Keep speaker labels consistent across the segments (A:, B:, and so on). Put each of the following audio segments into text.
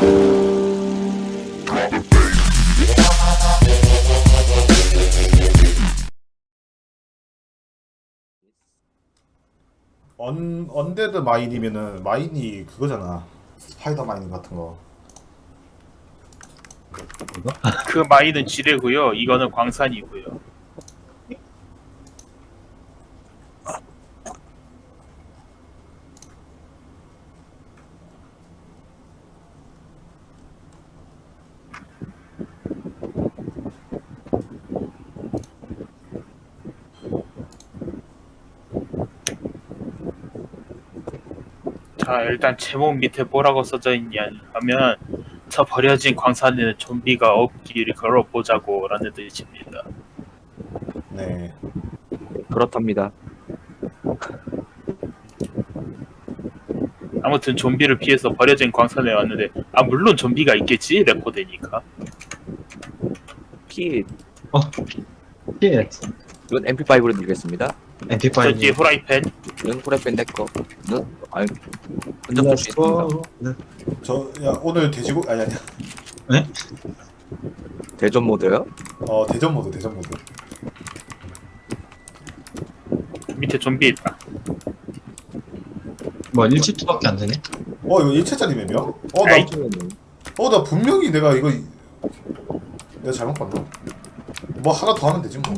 A: 언데드 마인이면은 마인이 그거잖아. 스파이더 마인 같은 거.
B: 그 마인은 지뢰고요. 이거는 광산이고요. 자, 일단 제목 밑에 뭐라고 써져 있냐 하면 저 버려진 광산에는 좀비가 없기를 걸어보자고 라는 뜻입니다.
A: 네.
C: 그렇답니다.
B: 아무튼 좀비를 피해서 버려진 광산에 왔는데 물론 좀비가 있겠지 레코드니까.
C: 피
D: 예.
C: 이건 MP5로 드리겠습니다.
B: 저 뒤에
D: MP5.
B: 후라이팬.
C: 이건 후라이팬 내꺼. 이건 아니 혼자 볼수 있습니다.
A: 야 오늘 돼지고 아니 아니야.
D: 네?
C: 대전 모드요?
A: 대전 모드 대전 모드.
B: 밑에 좀비 있다.
D: 뭐 1치트밖에 안 되네?
A: 이거 1차짜리 맵이야?
B: 아이.
A: 나 분명히 내가 잘못 봤나? 뭐 하나 더 하면 되지 뭐.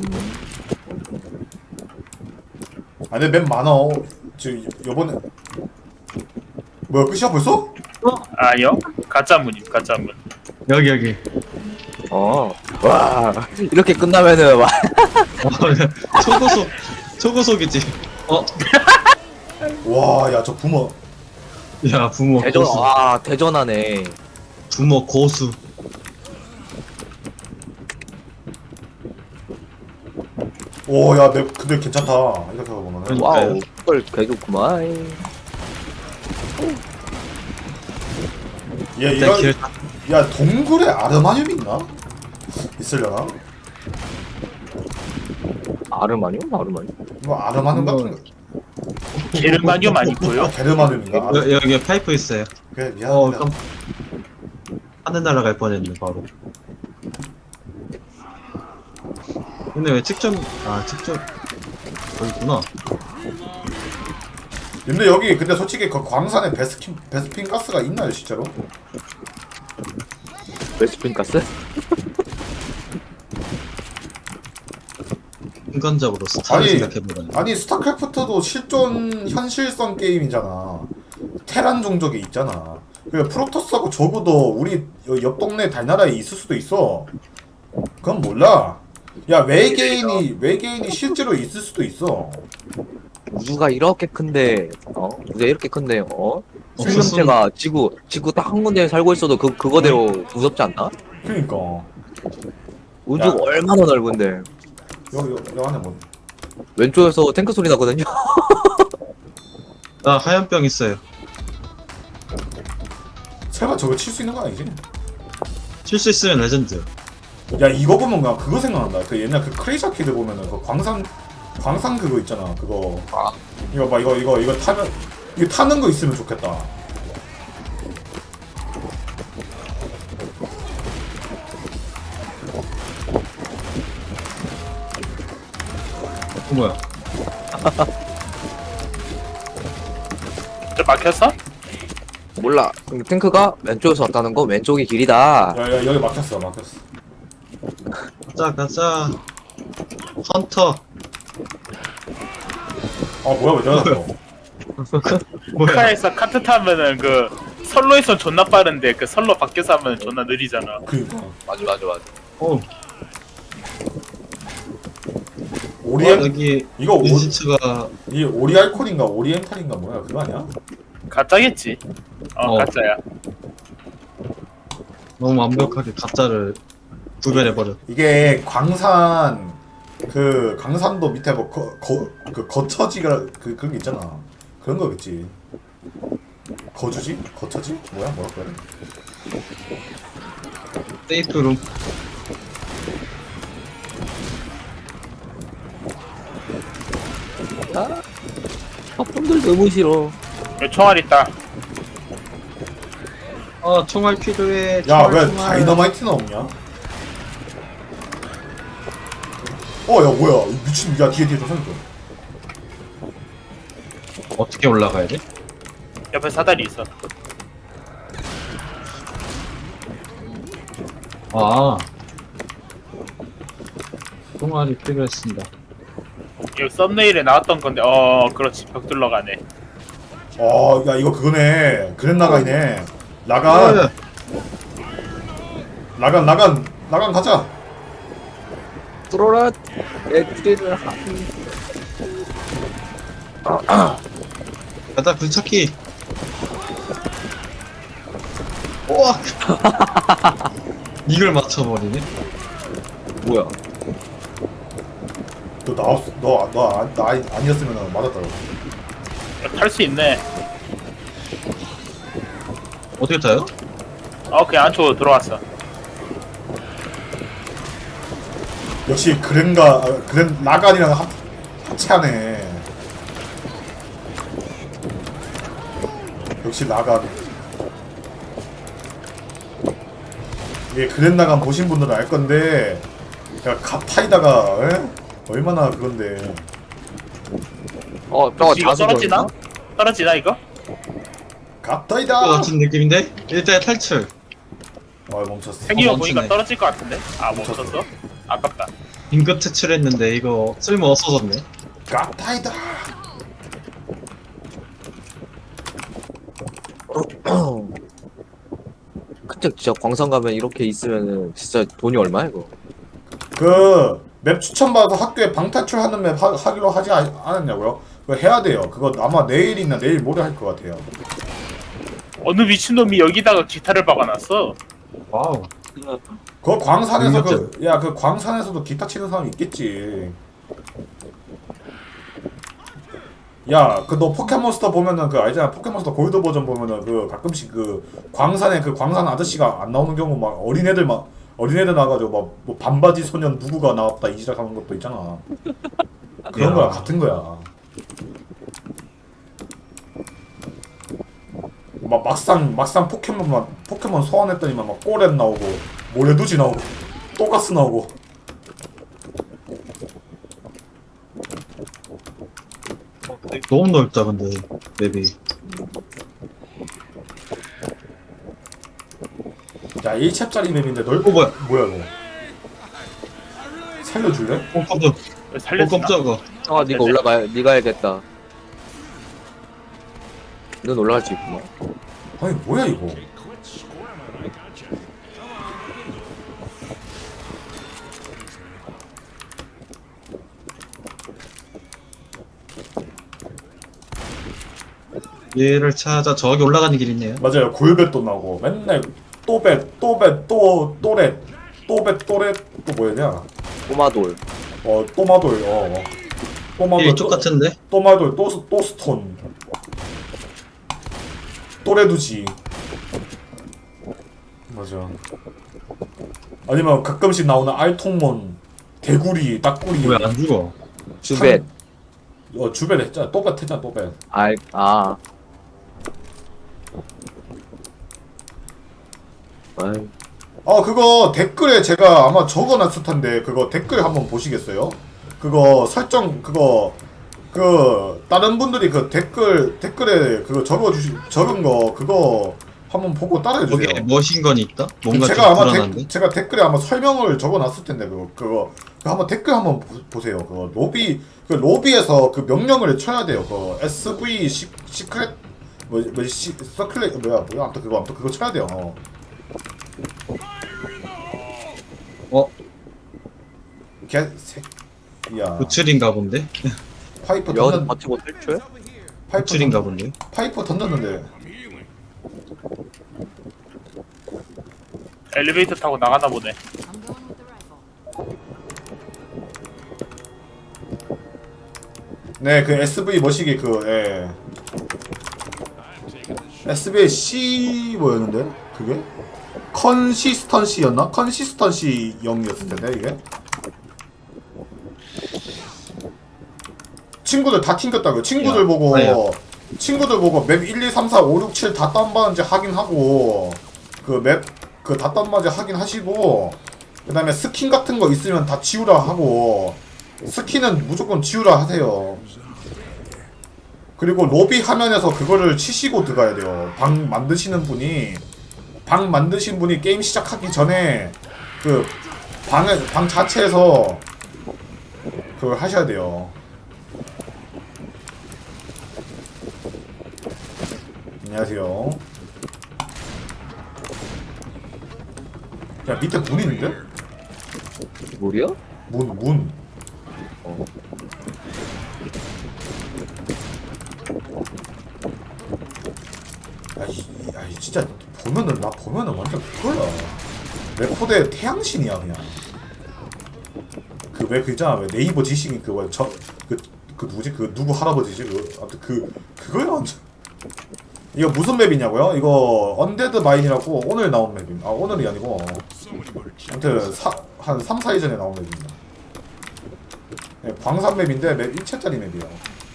A: 아니 맵 많아. 요번에 뭐야 끝이야 벌써?
B: 아니요. 가짜문임 가짜문.
D: 여기.
C: 와 이렇게 끝나면은 와
D: 초고속이지.
A: 와 야 저 부모.
D: 야 부모
C: 대전
D: 고수.
C: 대전하네.
D: 부모 고수.
A: 오야 맵 근데 괜찮다. 이렇게 보면은.
C: 와우 헐 개좋구만.
A: 야
D: 일단
A: 이거
D: 길
A: 야 동굴에 아르마늄 있나? 있으려나?
C: 아르마니오? 아르마니오?
A: 이거 아르마늄 같은 거.
B: 게르마늄 아니고요.
A: 게르마늄인가?
D: 여기 파이프 있어요.
A: 그래 미안합니다.
D: 하늘 날아갈 뻔했네 바로. 근데 왜 측정 여기구나.
A: 근데 여기 근데 솔직히 그 광산에 베스핀 가스가 있나요 실제로?
C: 베스핀 가스?
D: 인간적으로 스타를
A: 아니,
D: 생각해보라니.
A: 아니 스타크래프트도 실존 현실성 게임이잖아. 테란 종족이 있잖아. 그래 프로토스하고 적어도 우리 옆 동네 달나라에 있을 수도 있어. 그건 몰라. 야 외계인이 실제로 있을 수도 있어.
C: 우주가 이렇게 큰데 우주가 이렇게 큰데 생명체가 지구 딱 한 군데에 살고 있어도 그거대로 무섭지 않나?
A: 그러니까
C: 우주가
A: 야.
C: 얼마나 넓은데
A: 여기 안에 뭐
C: 왼쪽에서 탱크 소리 나거든요.
D: 나 하얀병 있어요.
A: 설마 저거 칠 수 있는 거 아니지?
D: 칠 수 있으면 레전드.
A: 야 이거 보면 그냥 그거 생각난다. 그 옛날 그 크레이지 아키드 보면은 그 광산 그거 있잖아. 그거 이거 봐 이거 타면 이거 타는 거 있으면 좋겠다.
D: 뭐야?
B: 저 막혔어?
C: 몰라. 근데 탱크가 왼쪽에서 왔다는 거 왼쪽이 길이다.
A: 야 여기 막혔어.
D: 가자. 헌터.
A: 뭐야 왜 저러나?
D: 뭐야?
B: 카에서 카트 타면은 그 선로에선 존나 빠른데 그 선로 밖에서 하면 존나 느리잖아.
A: 그니까
C: 맞아.
D: 어. 여기
A: 이거
D: 인시츠가
A: 이 오리알콘인가 오리엔탈인가 뭐야 그거 아니야?
B: 가짜겠지. 가짜야.
D: 너무 완벽하게 가짜를 구별해버려.
A: 이게 강산도 밑에 뭐 그 거처지가 그런 게 있잖아. 그런 거겠지. 거주지? 거처지? 뭐라고 해야 돼?
D: 세이프룸.
C: 분들 너무 싫어.
B: 여기 총알 있다.
D: 총알 필요해.
A: 야,
D: 총알,
A: 왜
D: 총알.
A: 다이너마이트는 없냐? 야, 뭐야. 미친, 야, 뒤에 저 생겨.
D: 어떻게 올라가야 돼?
B: 옆에 사다리 있어.
D: 아. 총알이 필요했습니다.
B: 이거 썸네일에 나왔던 건데 그렇지 벽 둘러가네.
A: 야, 이거 그거네. 그랜나가이네. 라간. 라간 가자.
C: 뚫어라 애들을
D: 가자 굴착기. 우와. 이걸 맞춰버리네.
C: 뭐야?
A: 너 아니었으면 맞았다고.
B: 탈 수 있네.
D: 어떻게 타요?
B: 그냥 안쪽으로 들어왔어.
A: 역시 그랜 라간이랑 합체하네. 역시 라간. 이게 그랜 라간 보신 분들은 알 건데, 야, 갓타이다가 얼마나 그건데.
C: 저거
B: 이거 떨어지나?
C: 자수정이나?
B: 떨어지나 이거?
A: 갓타이다.
D: 같은 느낌인데? 일단 탈출.
A: 멈췄어.
B: 생긴 거
D: 멈추네.
B: 보니까 떨어질 것 같은데? 멈췄어? 아깝다.
D: 긴급 퇴출했는데 이거 쓸모 없어졌네.
A: 갓타이다.
C: 근데 진짜 광산 가면 이렇게 있으면은 진짜 돈이 얼마야 이거?
A: 맵 추천받아서 학교에 방탈출하는 맵 하기로 하지 않았냐고요? 그거 해야 돼요. 그거 아마 내일이나 내일 모레 할 것 같아요.
B: 어느 미친놈이 여기다가 기타를 박아놨어?
D: 와우.
A: 그 광산에서
D: 능력자.
A: 그 광산에서도 기타 치는 사람이 있겠지. 야, 너 포켓몬스터 보면은 알잖아. 포켓몬스터 골드 버전 보면은 가끔씩 광산 아저씨가 안 나오는 경우 막 어린애들 나와가지고 뭐 반바지 소년 누구가 나왔다 이지랄 하는 것도 있잖아. 그런
D: 야.
A: 거야, 같은 거야. 막상 포켓몬 소환했더니만 막 꼬렛 나오고 모래두지 나오고 또가스 나오고.
D: 너무 넓다 근데 맵이.
A: 야, 1챕짜리 맵인데 뭐야
D: 뭐야?
A: 이거. 살려줄래?
D: 깜짝.
B: 살렸나?
D: 깜짝아.
C: 네가 올라가. 네가 해야겠다. 넌 올라갈 수 있구만.
A: 아니 뭐야 이거.
D: 얘를 찾아 저기 올라가는 길 있네요.
A: 맞아요. 골뱃도 나오고 맨날 또렛 또 뭐였냐?
C: 꼬마돌.
A: 또마돌 또마돌
D: 이쪽 같은데?
A: 또마돌 또 스톤 또레두지. 맞아. 아니면 가끔씩 나오는 알통몬 대구리 딱구리.
D: 왜 안 죽어?
C: 주벳.
A: 주변 했잖아. 또벳 했잖아. 또벳.
C: 아. 아이.
A: 그거 댓글에 제가 아마 적어놨을 텐데 그거 댓글 한번 보시겠어요? 그거 설정 다른 분들이 댓글에 그거 적은 거 그거 한번 보고 따라해 주세요.
D: 거기에 머신건이 있다? 뭔가
A: 제가 아마
D: 좀 불안한데?
A: 제가 댓글에 아마 설명을 적어놨을 텐데 그거 한번 댓글 한번 보세요. 그거 로비에서 그 명령을 쳐야 돼요. 그 SV 시크릿 서클렛 아무튼 그거 쳐야 돼요. 개새끼야.
D: 구출인가 본데?
A: 파이프
C: 여기서
A: 던졌
C: 버티고 탈출?
D: 구출인가 본데?
A: 파이프 던졌는데.
B: 엘리베이터 타고 나가나 보네.
E: I'm going with the rifle.
A: 네, 그 SV 머시기 SV C 뭐였는데? 그게? 컨시스턴시였나? 컨시스턴시 0이었을 텐데 이게? 친구들 다 튕겼다고요. 친구들
D: 야,
A: 보고
D: 아니야.
A: 맵 1, 2, 3, 4, 5, 6, 7 다 다운받은지 확인하고 그 맵 그 닷단맞이 하긴 하시고 그 다음에 스킨 같은 거 있으면 다 지우라 하고 스킨은 무조건 지우라 하세요. 그리고 로비 화면에서 그거를 치시고 들어가야 돼요. 방 만드시는 분이 방 만드신 분이 게임 시작하기 전에 그 방 자체에서 그걸 하셔야 돼요. 안녕하세요. 야 밑에 문 있는데?
C: 뭐야?
A: 문.
C: 어.
A: 아이 진짜 보면은 완전 그거야. 레코드의 태양신이야 그냥. 그 왜 그잖아 왜 네이버 지식인 그 누구지 그 누구 할아버지지 아무튼 그거야 완전. 이거 무슨 맵이냐고요? 이거 언데드 마인이라고 오늘 나온 맵입니다. 아 오늘이 아니고 아무튼 한 3, 4일 전에 나온 맵입니다. 네, 광산 맵인데 맵 1채짜리 맵이에요.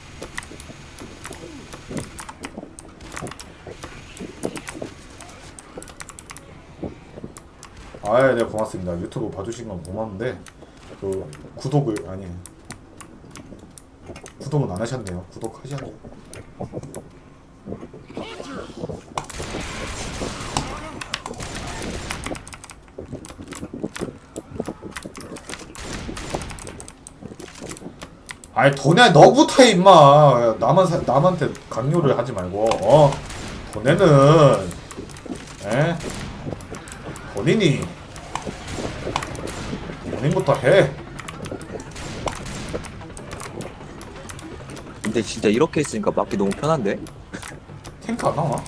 A: 아예 네 고맙습니다. 유튜브 봐주신 건 고맙는데 그 구독은 안 하셨네요. 구독하셔야죠. 아이 돈에 너부터 해 임마. 남한테 강요를 하지 말고 돈에는 본인부터 해.
C: 근데 진짜 이렇게 있으니까 막기 너무 편한데?
A: 탱크 안 나와?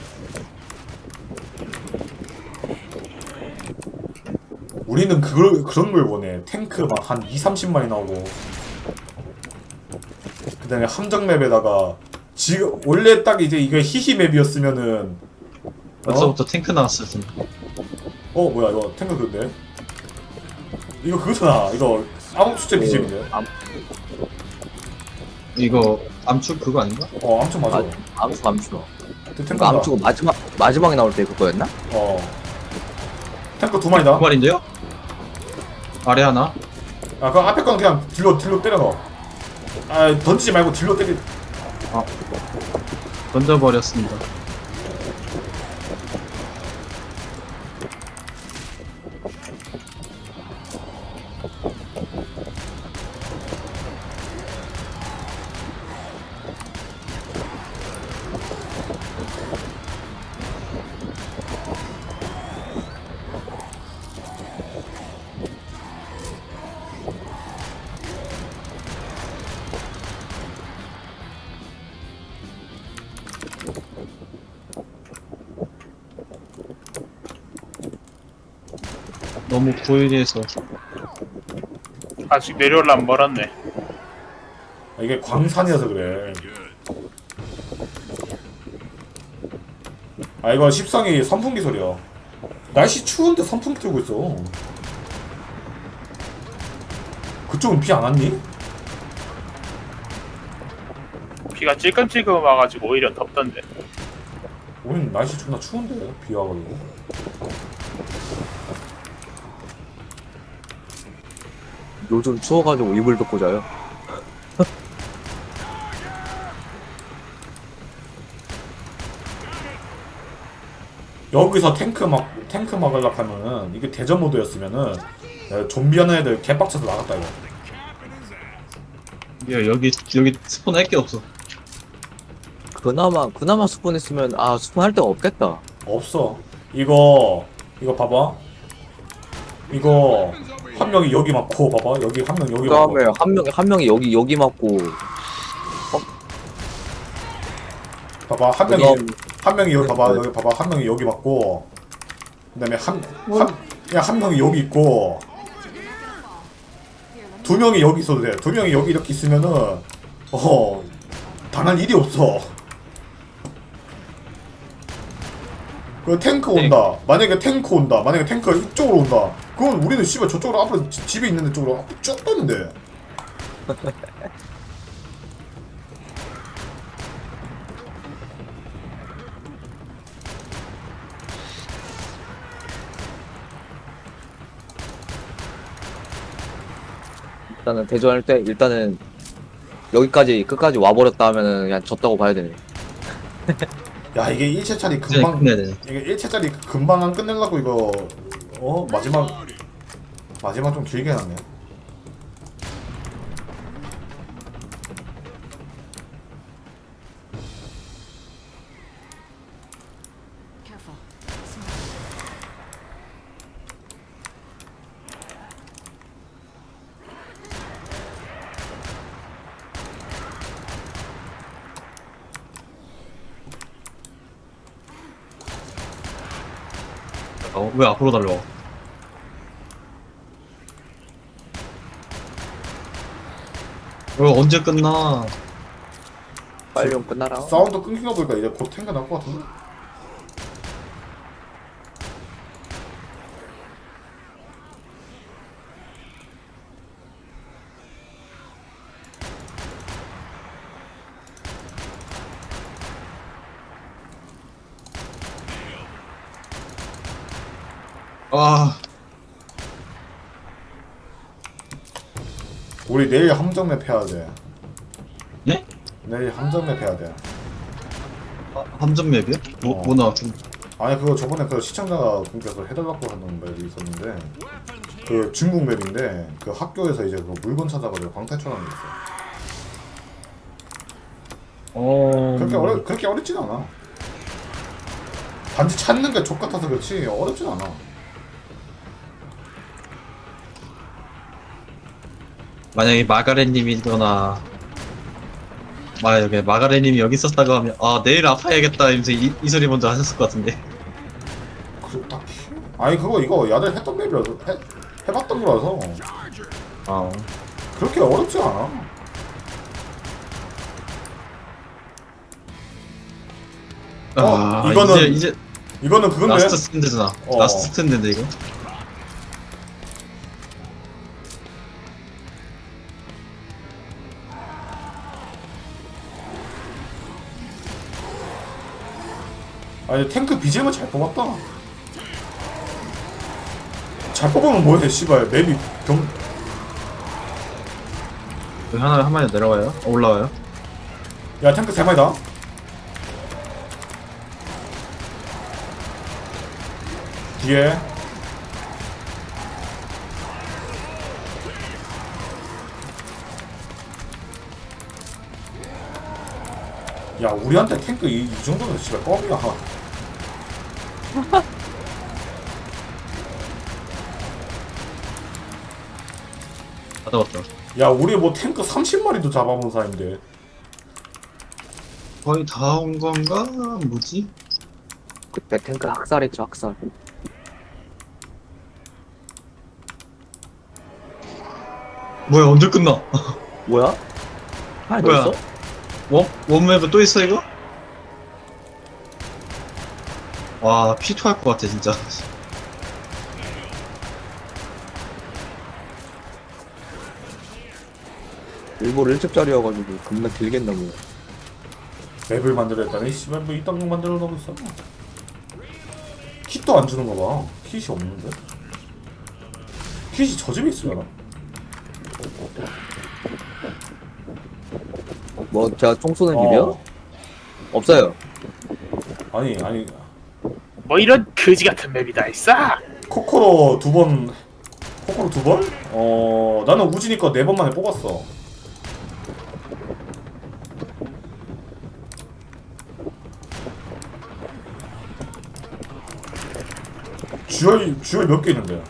A: 우리는 그런 걸 원해. 탱크 막 한 2-30마리 나오고 그 다음에 함정 맵에다가 지금 원래 딱 이제 이게 히히 맵이었으면은
D: 벌써부터 탱크 나왔을 텐데.
A: 뭐야 이거 탱크 그건데? 이거 그거잖아. 이거 암흑수제 BGM인데?
D: 이거 암축 그거 아닌가?
A: 암청 맞아.
C: 암수.
A: 탱크다.
C: 그러니까 암수고 마지막에 나올 때 그거였나?
A: 탱크 2마리다.
D: 그 말인데요? 아래 하나.
A: 아, 그 앞에 건 그냥 딜로 때려 넣어. 아, 던지지 말고 딜로 때리.
D: 던져버렸습니다. 너무 고일해서
B: 아직 내려올라면 멀었네.
A: 아, 이게 광산이어서 그래. 아, 이거 십성이 선풍기 소리야. 날씨 추운데 선풍기 틀고 있어. 그쪽은 비 안 왔니?
B: 비가 찔끔찔끔 와가지고 오히려 덥던데.
A: 우린 날씨 존나 추운데 비 와가지고.
C: 요즘 추워가지고 이불 덮고 자요.
A: 여기서 탱크 막으려고 하면은 이게 대전 모드였으면은 좀비 하는 애들 개빡쳐서 나갔다 이거.
D: 야 여기 스폰 할 게 없어.
C: 그나마 스폰했으면 스폰할 데가 없겠다.
A: 없어. 이거 봐봐. 이거 한 명이 여기 맞고 봐봐. 여기 한 명 여기 맞고.
C: 그다음에 한 명이 여기 맞고.
A: 봐봐 한 명이 여기 봐봐. 여기 봐봐 한 명이 여기 맞고. 그다음에 한 명이 여기 있고. 두 명이 여기 있어도 돼. 두 명이 여기 이렇게 있으면은 당할 일이 없어. 그 탱크 온다. 만약에 탱크가 이쪽으로 온다. 그건 우리는 씨발 저쪽으로 앞으로 집에 있는 데 쪽으로 쭉 떴는데.
C: 일단은 대전할 때 일단은 여기까지 끝까지 와버렸다 하면은 그냥 졌다고 봐야 되네.
A: 야 이게 1채짜리
D: 이제
A: 금방
D: 끝내야 되네.
A: 이게 1채짜리 금방 안 끝내려고 이거 마지막 좀 길게 하네.
E: Careful.
D: 왜 앞으로 달려? 이거 언제 끝나?
C: 빨리 좀 끝나라.
A: 사운드 끊긴 거 보니까 이제 곧 탱크 날것 같은데?
D: 아,
A: 우리 내일 함정맵 해야 돼.
D: 네?
A: 내일 함정맵 해야 돼.
D: 함정 맵이요? 뭐 나왔지?
A: 아니 그거 저번에 그 시청자가 분께서 해달라고 하는 맵이 있었는데 그 중국 맵인데 그 학교에서 이제 그 물건 찾아가지고 방탈출하는 게 있어. 그렇게 어렵진 않아. 단지 찾는 게 족같아서 그렇지 어렵진 않아.
D: 만약에 마가렛님이거나 만약에 마가렛님이 여기 있었다고 하면 아 내일 아파야겠다 이러면서 이 소리 먼저 하셨을 것 같은데.
A: 그 딱히 아니 그거 이거 야들 했던 맵이라서 해봤던 거라서
D: 아,
A: 그렇게 어렵지 않아. 이거는
D: 이제
A: 이거는 그건데.
D: 라스트 스탠드잖아.
A: 어.
D: 라스트 스탠드인데 이거.
A: 아니 탱크 BGM은 잘 뽑았다. 잘 뽑으면 뭐해 씨발 맵이
D: 여기 하나 한 마리 내려와요? 올라와요?
A: 야 탱크 3마리다. 뒤에 야 우리한테 탱크 이 정도면 씨발 껌이야.
D: 다 잡았다.
A: 야 우리 뭐 탱크 30마리도 잡아본 사이인데.
D: 거의 다 온 건가? 뭐지?
C: 그때 탱크 학살했죠 학살.
D: 뭐야 언제 끝나?
C: 뭐야? 아니
D: 뭐야?
C: 너 있어?
D: 원맵은 또 있어 이거? 와 P2 할 것 같아 진짜.
C: 일부러 1첩짜리여가지고 겁나 길겠나고.
A: 맵을 만들어 했다니 씨발 뭐 이딴 거 만들어 놓고 있어. 킷도 안 주는 거 봐. 킷이 없는데? 킷이 저 집에 있으려나?
C: 뭐 제가 총 쏘는 집이요?
A: 어.
C: 없어요.
A: 아니
B: 뭐 이런 거지 같은 맵이 다 있어?
A: 코코로 두 번? 나는 우진이 거 4번 만에 뽑았어. 주얼 몇 개 있는데?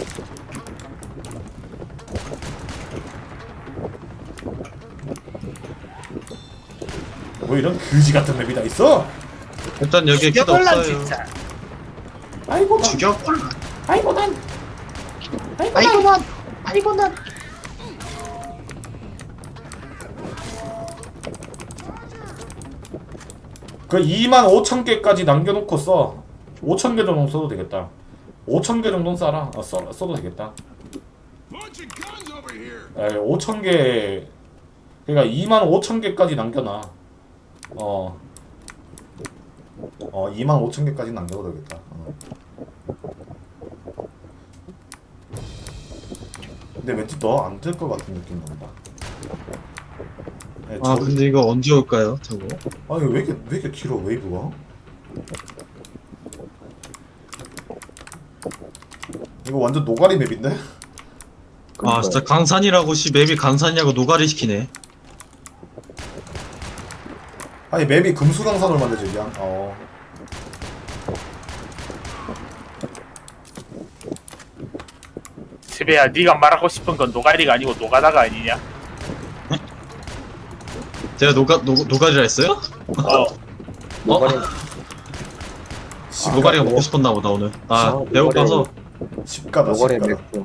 A: 뭐 이런 그지 같은 맵이 다 있어?
D: 일단 여기에 키도
B: 죽여볼란
D: 없어요.
B: 진짜.
A: 아이고 난,
D: 죽여볼라.
A: 아이고 난, 그 25,000개까지 남겨놓고 써. 5,000개 정도 써도 되겠다. 5,000개 정도는 써라. 써도 되겠다. 5,000개, 그러니까 25,000개까지 남겨놔. 25,000개까지 남겨도 되겠다. 근데 왠지 너 안 될 것 같은 느낌 난다. 네,
D: 아 근데 이거 언제 올까요 저거?
A: 아니 왜 이렇게 길어 웨이브가? 이거 완전 노가리 맵인데?
D: 아 진짜 강산이라고 씨 맵이 강산이라고 노가리 시키네.
A: 아니 맵이 금수강산으로 만들지 미안.
B: 지배야, 네가 말하고 싶은 건 노가리가 아니고 노가다가 아니냐?
D: 제가 노가리라 했어요?
C: 노가리
D: 노가리가 먹고 싶었나 보다 오늘. 아 배고파서.
A: 십가다
C: 노가리
A: 십가다
C: 맥주.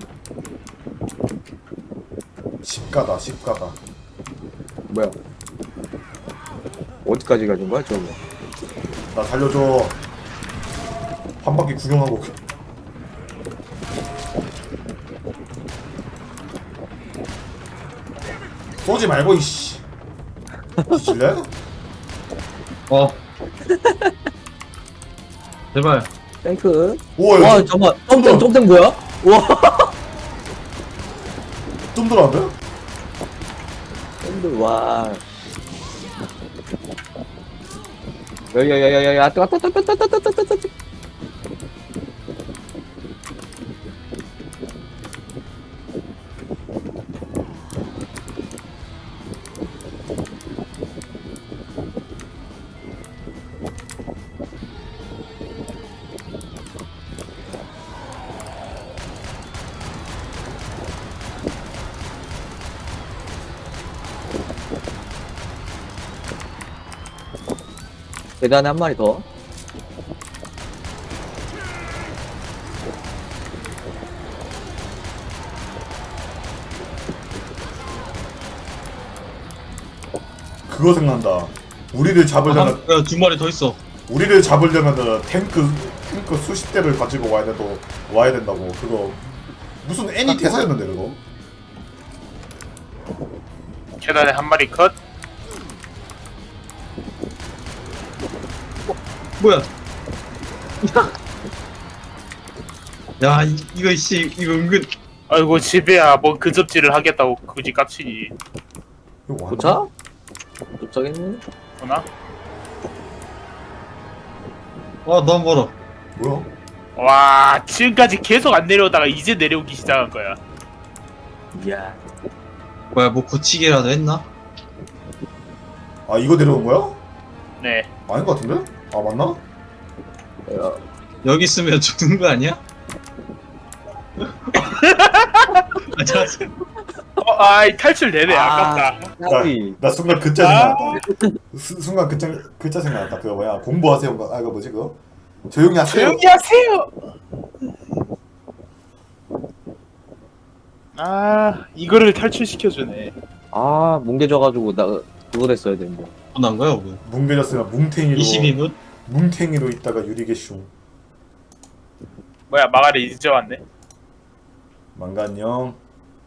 A: 십가다 십가다.
C: 뭐야? 어디까지 가진 거야 저거?
A: 나 살려줘. 한 바퀴 구경하고. 쏘지 말고 이씨. 질래?
D: 어. 제발.
C: 탱크.
A: 오,
C: 와
A: 야,
C: 잠깐. 점점 뭐야? 와.
A: 좀 들어왔네?
C: 탱크 와. 야야야야야 왔다. 계단에 한 마리 더.
A: 그거 생각난다. 우리를 잡으려면
D: 두 마리 더 있어.
A: 우리를 잡으려면은 탱크 수십 대를 가지고 와야 된다고. 그거 무슨 애니 대사였는데 그거.
B: 계단에 한 마리 컷.
D: 뭐야? 야 이거 씨 이거 은근.
B: 아이고 지배야, 뭐 근접질을 하겠다고 굳이 깝치니.
A: 이거 완전
C: 도착? 도착했네.
B: 보나?
D: 아 너무 멀어.
A: 뭐야?
B: 와, 지금까지 계속 안 내려오다가 이제 내려오기 시작한 거야.
C: 이야.
D: 뭐야 뭐 고치기라도 했나?
A: 아 이거 내려온 거야?
B: 네.
A: 아닌 것 같은데? 아 맞나?
C: 야,
D: 여기 있으면 죽는 거 아니야? 아, 저,
B: 아이 탈출 되네. 아깝다.
C: 까비.
A: 나 순간 글자 생각났다. 순간 글자 생각났다. 그거 뭐야? 공부하세요. 아 이거 뭐지 그거? 조용히 하세요.
B: 조용히 하세요. 아, 이거를 탈출시켜주네.
C: 아 뭉개져가지고 나 그거 됐어야 되는데.
D: 난 거야 뭐.
A: 뭉개졌으면 뭉탱이로
D: 22분?
A: 뭉탱이로 있다가 유리개숑.
B: 뭐야, 마가리 이제 왔네.
A: 망가 안녕.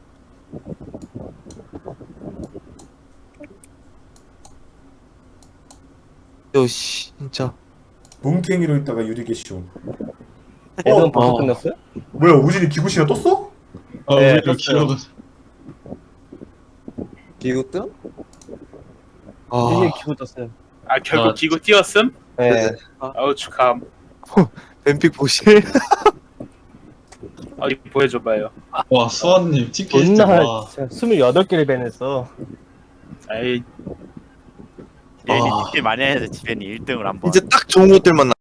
F: 요씨 진짜
A: 뭉탱이로 있다가 유리개숑.
G: 애들은 벌써 끝났어요?
A: 뭐야 우진이 기구씨가 떴어?
B: 네,
D: 우리가 길어가.
C: 기우뜸?
G: 이게 기고 떴어요.
B: 아, 결국
D: 아,
B: 기구 띄었음?
G: 네.
B: 아우 축하함.
F: 뱀픽 보실?
B: 어디 보여줘봐요.
D: 와 수원님 TP 진짜
G: 존나
D: 와.
G: 진짜 28개를 밴했어.
B: 에이,
H: 얘는
F: 아.
H: TP 많이 해서 지벤이 1등을 한번
F: 이제 딱 좋은 것들만